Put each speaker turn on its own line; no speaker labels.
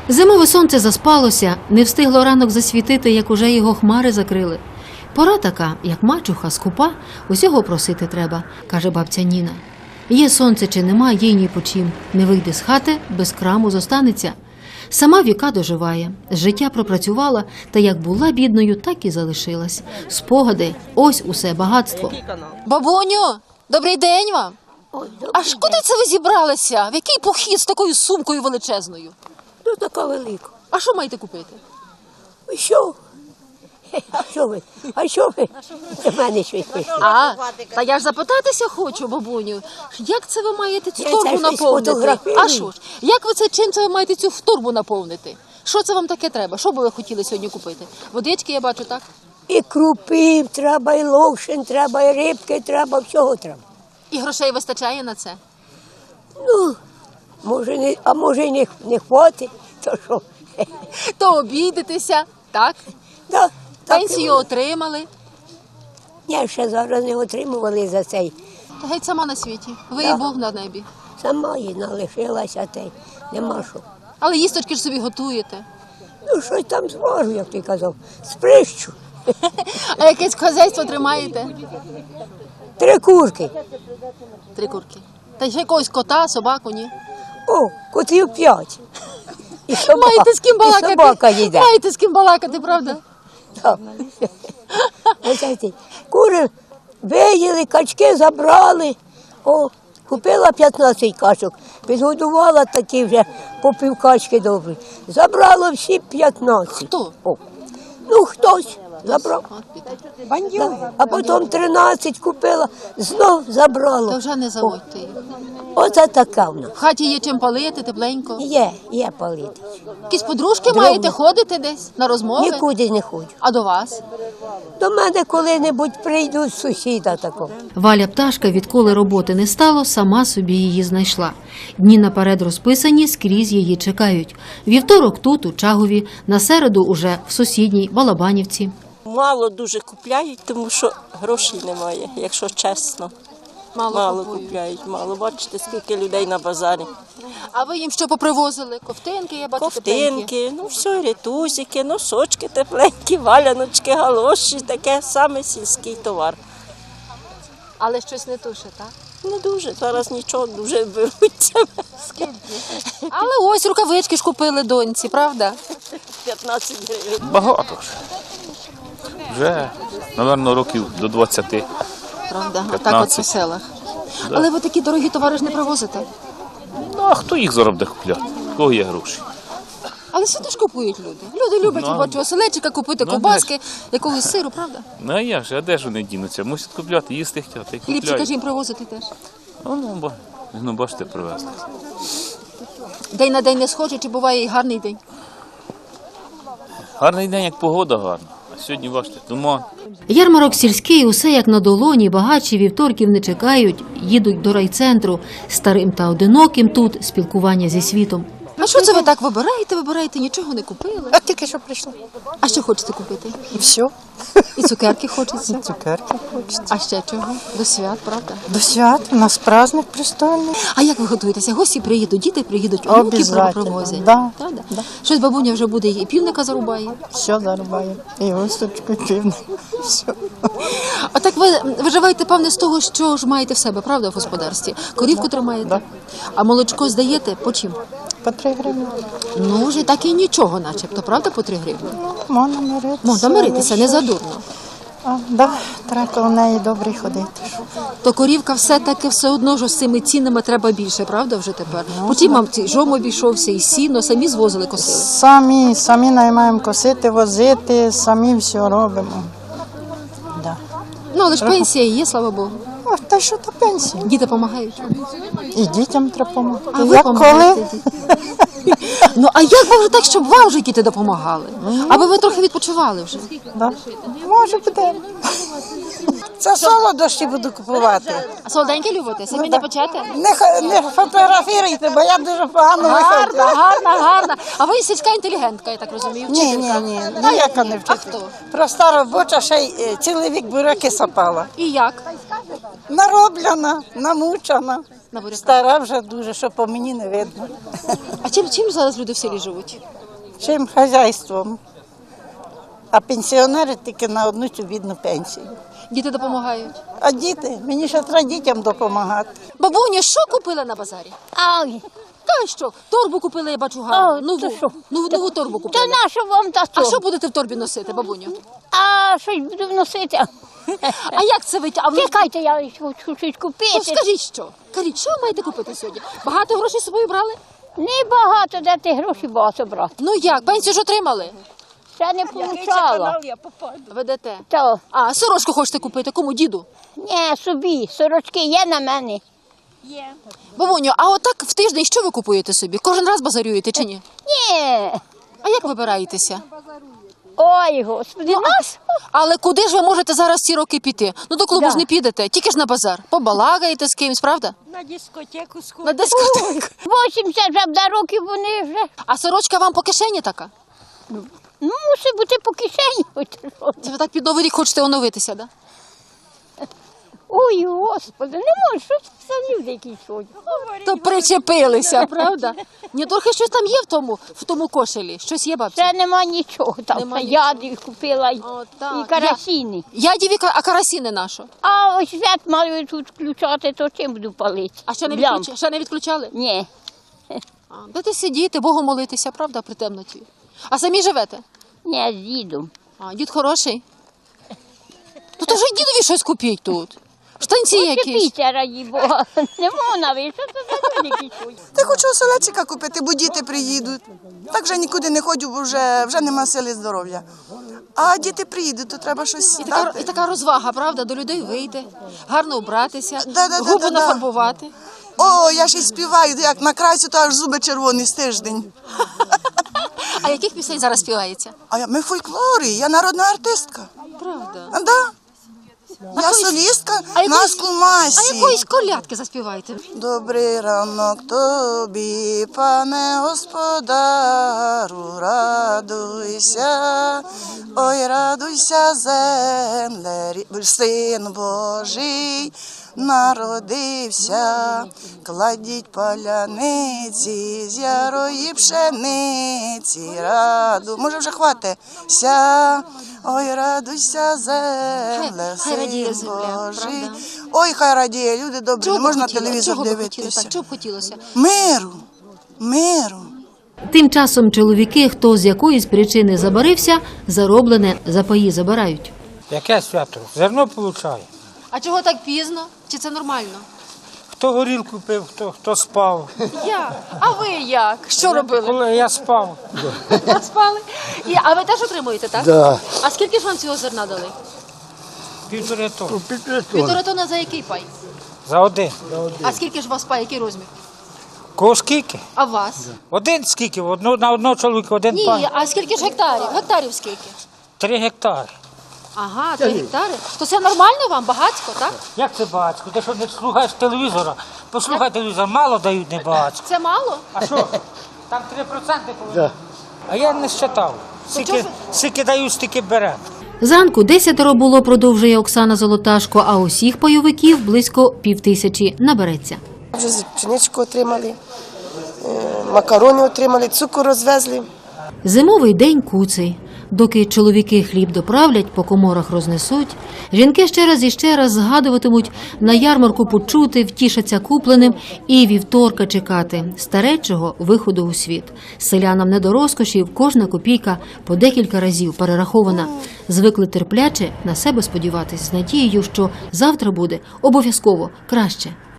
Зимове сонце заспалося, не встигло ранок засвітити, як уже його хмари закрили. Пора така, як мачуха, скупа, усього просити треба, каже бабця Ніна. Є сонце чи нема, їй ні по чим. Не вийде з хати, без краму зостанеться. Сама віка доживає, з життя пропрацювала, та як була бідною, так і залишилась. Спогади – ось усе багатство.
Бабуню, добрий день вам. Аж куди це ви зібралися? В який похід з такою сумкою величезною?
Ну, така велика.
А що маєте купити?
Що? А що ви до мене щось прийшли?
Та я ж запитатися хочу, бабуню. Як це ви маєте цю
Я
торбу
це щось
наповнити?
фотографірую.
А що ж? Як ви це, чим це ви маєте цю торбу наповнити? Що це вам таке треба? Що би ви хотіли сьогодні купити? Водички я бачу, так?
І крупи треба, і ловшин треба, і рибки треба, всього треба.
І грошей вистачає на це?
Ну, може, може і не хватить, то що?
То обійдетеся, так?
Да, так і
Пенсію
воно.
отримали.
Я ще зараз не отримували за цей.
Та геть сама на світі. Ви
Да.
і Бог на небі.
Сама їй налишилася, та й нема що.
Але їсточки ж собі готуєте.
Ну, щось там зважу, як ти казав, сприщу.
А якесь хазяйство тримаєте?
3 курки.
3 курки. Та ще якогось кота, собаку, ні?
О, котів 5. І
Маєте з ким балакати?
І собака їде.
Маєте з ким балакати, правда?
Так. Ось ці кури виїли, качки забрали. О, купила 15 качок, підгодувала такі вже по півкачки добрі. Забрало всі 15.
Хто?
О. Ну, хтось забрав.
От біда.
Да. А потім 13 купила, знов забрало.
Та вже не заводьте їх.
Оце така вона.
В хаті є чим палити, тепленько.
Є палити.
Якісь подружки
Дрібно.
маєте, ходити десь на розмови?
Нікуди не ходжу.
А до вас?
До мене коли-небудь прийдуть сусіда такого.
Валя Пташка, відколи роботи не стало, сама собі її знайшла. Дні наперед розписані, скрізь її чекають. Вівторок тут, у Чагові, на середу уже в сусідній Балабанівці.
Мало дуже купляють, тому що грошей немає, якщо чесно. Мало купляють, мало. Бачите, скільки людей на базарі.
А ви їм що попривозили? Ковтинки, я бачу, тепленькі.
Ковтинки, ну все, рятузики, носочки тепленькі, валяночки, галоші, таке саме сільський товар.
Але щось не туше, так?
Не дуже, зараз нічого дуже беруться.
Але ось рукавички ж купили доньці, правда?
15 гривень.
Багато вже. Вже, мабуть, років до 20.
Правда,
15.
так от по селах. Але ви такі дорогі товари ж не привозите.
Ну, а хто їх зараз буде купляти? У кого є гроші?
Але сюди ж купують люди. Люди люблять,
Ну,
я бачу, оселедчика купити,
ну,
ковбаски, якогось сиру, правда?
Ну, а як же, а де ж вони дінуться? Мусять купляти, їсти хотіти, і
Хлібчика ж
купляють.
їм привозити теж.
Ну, бачите, привезли.
День на день не схоже, чи буває і гарний день?
Гарний день, як погода гарна. А сьогодні, бачите, туман.
Ярмарок сільський, усе як на долоні, багачі вівторків не чекають, їдуть до райцентру, старим та одиноким тут спілкування зі світом.
А що це ви так вибираєте, нічого не купили?
А тільки що прийшла.
А що хочете купити?
І все.
І цукерки хочеться.
Цукерки хочеться.
А ще чого? До свят, правда?
До свят у нас праздник пристойний.
А як ви готуєтеся? Гості приїдуть, діти приїдуть, онуки
Обязательно,
привозять.
да.
Правда?
Да.
Щось бабуня вже буде і півника зарубає.
Все зарубає. І госточку, і півник. Все.
А так ви виживаєте, певне, з того, що ж маєте в себе, правда, в господарстві? Корівку тримаєте?
Да.
А молочко здаєте по чим?
По 3 гривні.
Ну, вже так і нічого, начебто, правда, по 3 гривні?
Можна миритися.
Можна миритися, не задурно.
Да, треба коло неї добре ходити.
То корівка все-таки все одно ж з цими цінами треба більше, правда, вже тепер? Потім вам цей жом обійшовся і сіно, самі звозили, косили.
Самі наймаємо косити, возити, самі все робимо. Да.
Ну, але ж пенсія є, слава Богу.
О, та що то пенсія?
Діти допомагають.
І дітям треба допомогти.
А ви
Як коли?
допомагаєте дітям? Ну, а як би вже так, щоб вам вже діти допомагали? Аби ви трохи відпочивали вже.
Да. Може буде.
Це солодощі буду купувати.
А солоденькі любите? Самі не почати?
Не фотографіруйте, бо я дуже погано виходжу.
Гарна. А ви сільська інтелігентка, я так розумію, вчителька.
Ні, ніяка не
А
вчителька.
хто?
Проста робоча, ще й цілий вік буряки сапала.
І як?
нароблена, намучена.
На буряках.
Стара вже дуже, що по мені не видно.
А чим зараз люди в селі живуть?
Чим хазяйством. А пенсіонери тільки на одну цю бідну пенсію.
Діти допомагають.
А діти, мені ще треба дітям допомагати.
Бабуня, що купила на базарі?
Ай,
Та що? Торбу купила, я бачу гарну.
О,
Нову.
то що?
Нову торбу
то
купила.
нащо вам та
А
то?
що будете в торбі носити, бабуню?
А щось буду вносити.
А як це ви? А ви...
Чекайте, я хочу щось
То
купити.
скажіть що? Кажіть, що ви маєте купити сьогодні? Багато грошей з собою брали?
Небагато, де ти гроші багато брати.
Ну як, пенсію ж отримали?
Ще не получала.
Ведете.
То,
А, сорочку хочете купити? Кому, діду?
ні, собі, сорочки є на мене.
Бабуню, а отак в тиждень що ви купуєте собі? Кожен раз базарюєте чи ні?
Ні.
А як вибираєтеся?
Ой, господи, нас?
Але куди ж ви можете зараз ці роки піти? Ну до клубу
Да.
ж не підете, тільки ж на базар. Побалагаєте з кимось, правда?
На дискотеку
На дискотеку.
80 вже років вони вже.
А сорочка вам по кишені така?
Ну, мусить бути по кишені. Ой, ти що?
Це ви так під Новий рік хочете оновитися, да?
Ой, господи, не можу, що це за люди якісь сьогодні?
То причепилися, правда? Ні, трохи щось там є в тому кошелі. Щось є, бабця?
Ще нема нічого там.
Нема
Яди купила
О, так.
і карасіни.
Ядіві, а карасіни нашу.
А ось свят маю тут включати, то чим буду палити?
А ще
Блям.
не відключали?
Ні.
Будете сидіти, Богу молитися, правда, при темноті. А самі живете?
Ні, з дідом.
А, дід хороший? Ну то ж і дідові щось купіть тут. Штанці якісь.
Чепіться, раді Бога. Не можна, ви, що це за люди якісь сьогодні?
Та хочу оселедчика купити, бо діти приїдуть. Так вже нікуди не ходжу, бо вже нема сили здоров'я. А діти приїдуть, то треба щось
І
дати.
така розвага, правда, до людей вийти, гарно вбратися,
Да-да-да-да-да.
губи нафарбувати.
О, я ще й співаю, як накрасю, то аж зуби червоні з тиждень.
А яких пісень зараз співається?
Ми фольклори, я народна артистка.
Правда.
А, да. Я солістка на Скулмасі.
А якоїсь колядки заспівайте.
Добрий ранок тобі, пане господару, радуйся, ой, радуйся, земле, син Божий народився, кладіть паляниці з ярої пшениці, може вже хватиться, ой, радуйся, земле,
Хай радіє
син
земля,
Божий.
правда?
Ой, хай радіє, люди добрі, не можна телевізор
Чого би хотіли?
дивитися.
Так, чого б хотілося?
Миру.
Тим часом чоловіки, хто з якоїсь причини забарився, зароблене за паї забирають.
Яке свято? Зерно получає.
А чого так пізно? Чи це нормально?
Хто горілку пив, хто спав.
Я. А ви як? Що робили?
Коли я спав.
Спали? А ви теж отримуєте, так?
Да.
А скільки ж вам цього зерна дали?
1,5 тонни.
1,5 тонна за який пай?
За один.
А скільки ж у вас пай, який розмір?
Кого скільки?
А у вас?
Один скільки? На одного чоловіка один
Ні,
пай.
а скільки ж гектарів? Гектарів скільки?
3 гектари.
Ага, 3 гектари. То це нормально вам, багатсько, так?
Як це багатсько? Ти що не слухаєш телевізора? Послухай телевізор, мало дають не багатсько.
Це мало?
А що? Там 3% повинні. А я не считав. Скільки дають, стільки беремо.
Зранку 10 було, продовжує Оксана Золоташко, а усіх пайовиків близько 5000 набереться.
Вже пшеничку отримали, макарони отримали, цукор розвезли.
Зимовий день куций. Доки чоловіки хліб доправлять, по коморах рознесуть, жінки ще раз і ще раз згадуватимуть на ярмарку почути, втішаться купленим і вівторка чекати старечого виходу у світ. Селянам не до розкошів, кожна копійка по декілька разів перерахована. Звикли терпляче на себе сподіватись з надією, що завтра буде обов'язково краще.